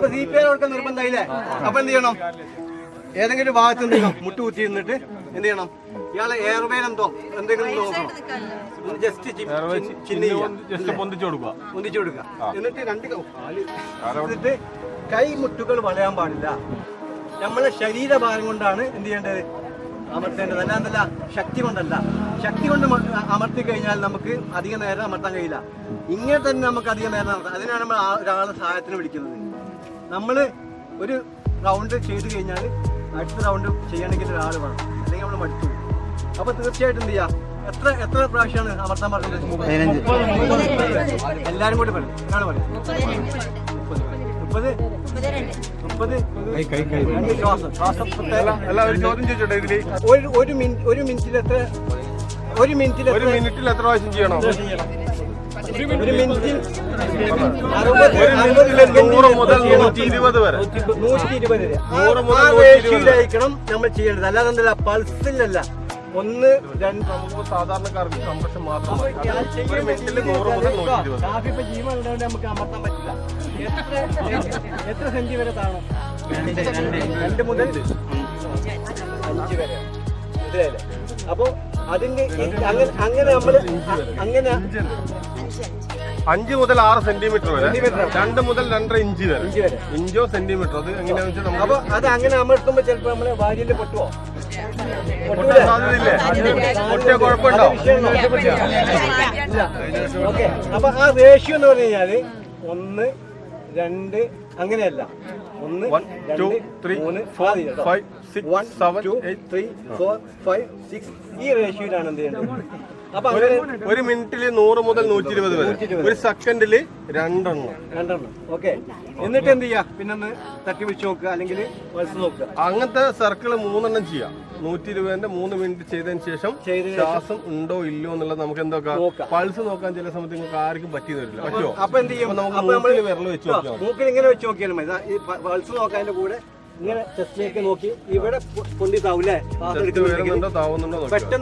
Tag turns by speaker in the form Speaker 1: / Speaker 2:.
Speaker 1: അപ്പൊ CPR കൊടുക്കാൻ നിർബന്ധമായില്ലേ? അപ്പൊ എന്ത് ചെയ്യണം? ഏതെങ്കിലും ഭാഗത്ത് എന്ത് ചെയ്യണം? മുട്ട് കുത്തി നിന്നിട്ട് എന്ത് ചെയ്യണം? ഇയാളെ എയർവേൽ എന്തെങ്കിലും നോക്കണം. ജസ്റ്റ് പൊന്തിച്ചു കൊടുക്കുക. എന്നിട്ട് എന്നിട്ട് കൈമുട്ടുകൾ വളയാൻ പാടില്ല. നമ്മളെ ശരീരഭാരം കൊണ്ടാണ് എന്ത് ചെയ്യേണ്ടത്? അമർത്തേണ്ടത്. അല്ലാന്നല്ല ശക്തി കൊണ്ടല്ല. ശക്തി കൊണ്ട് അമർത്തി കഴിഞ്ഞാൽ നമുക്ക് അധികം നേരം അമർത്താൻ കഴിയില്ല. ഇങ്ങനെ തന്നെ നമുക്ക് അധികം നേരം നടത്താം. അതിനാണ് നമ്മൾ ഒരാളെ സഹായത്തിന് വിളിക്കുന്നത്. നമ്മൾ ഒരു റൗണ്ട് ചെയ്ത് കഴിഞ്ഞാൽ അടുത്ത റൗണ്ട് ചെയ്യണമെങ്കിൽ ഒരാൾ വേണം, അല്ലെങ്കിൽ നമ്മൾ മടുത്തു. അപ്പൊ തീർച്ചയായിട്ടും എന്ത് ചെയ്യാം? എത്ര പ്രാവശ്യമാണ് അമർത്താൻ പറഞ്ഞത്? എല്ലാരും കൂടി പറയും. 30 ഒരു മിനിറ്റിൽ എത്ര
Speaker 2: പ്രാവശ്യം ചെയ്യണം?
Speaker 1: ഒരു മിനിറ്റിൽ
Speaker 2: 100 മുതൽ 120 വരെ.
Speaker 1: 120 വരെ ആ റേഷ്യോയിലായിരിക്കണം നമ്മൾ ചെയ്യേണ്ടത്. അല്ലാതെ എന്തല്ല പൾസിലല്ല. 1, 2
Speaker 2: സാധാരണക്കാർക്ക് കംപ്രഷൻ മാത്രം. ഒരു മിനിറ്റിൽ 100 മുതൽ 120.
Speaker 1: ഇപ്പൊ ജീവൻ ഉള്ളതുകൊണ്ട് നമുക്ക് അമർത്താൻ പറ്റില്ല. എത്ര സെന്റി വരെ താണം? 2 മുതൽ 5 വരെ. അപ്പൊ അതിന്റെ അങ്ങനെ നമ്മള് അങ്ങനെ
Speaker 2: 5 മുതൽ 6 സെന്റിമീറ്റർ വരെ, 2 മുതൽ 2.5 ഇഞ്ച് വരെ. ഇഞ്ചോ സെന്റിമീറ്റർ അത് എങ്ങനെയാണെന്ന് വെച്ചാൽ.
Speaker 1: അപ്പൊ അത് അങ്ങനെ അമർത്തുമ്പോ ചിലപ്പോ നമ്മളെ ഭാര്യയില് പൊട്ടുവോ?
Speaker 2: സാധ്യതയില്ലേ? പൊട്ടിയ കുഴപ്പമുണ്ടോ?
Speaker 1: ഓക്കെ. അപ്പൊ ആ റേഷ്യോ എന്ന് പറഞ്ഞു കഴിഞ്ഞാല് 1, 2 അങ്ങനെയല്ല. 1, 2, 3, 4, 5, 6, 1, 2, 3, 4, 5, 6 ഈ റേഷ്യോയിലാണ് എന്ത് ചെയ്യേണ്ടത്? അപ്പൊ
Speaker 2: ഒരു മിനിറ്റിൽ 100 മുതൽ 120 വരെ. ഒരു സെക്കൻഡില് 2 എണ്ണം.
Speaker 1: ഓക്കെ. എന്നിട്ട് എന്ത് ചെയ്യാ? പിന്നെ ഒന്ന് തട്ടി വെച്ച് നോക്കുക, അല്ലെങ്കിൽ പൾസ് നോക്കുക.
Speaker 2: അങ്ങനത്തെ സർക്കിള് 3 എണ്ണം ചെയ്യാം. 120ന്റെ 3 മിനിറ്റ് ചെയ്തതിന് ശേഷം ശ്വാസം ഉണ്ടോ ഇല്ലോ എന്നുള്ളത് നമുക്ക് എന്തൊക്കെ പൾസ് നോക്കാൻ ചില സമയത്ത് നിങ്ങൾക്ക് ആർക്കും പറ്റി വരില്ല. പറ്റുമോ?
Speaker 1: അപ്പൊ എന്ത് ചെയ്യും?
Speaker 2: വിരൽ വെച്ച് നോക്കാം.
Speaker 1: മൂക്കിൽ ഇങ്ങനെ വെച്ച് നോക്കിയാലും മതി. ഈ പൾസ് നോക്കാതിന്റെ കൂടെ ഇങ്ങനെ ചെസ്റ്റിലേക്ക് നോക്കി ഇവിടെ പൊന്തി താവൂലേ?
Speaker 2: താവുന്നുണ്ടോ
Speaker 1: പെട്ടെന്ന്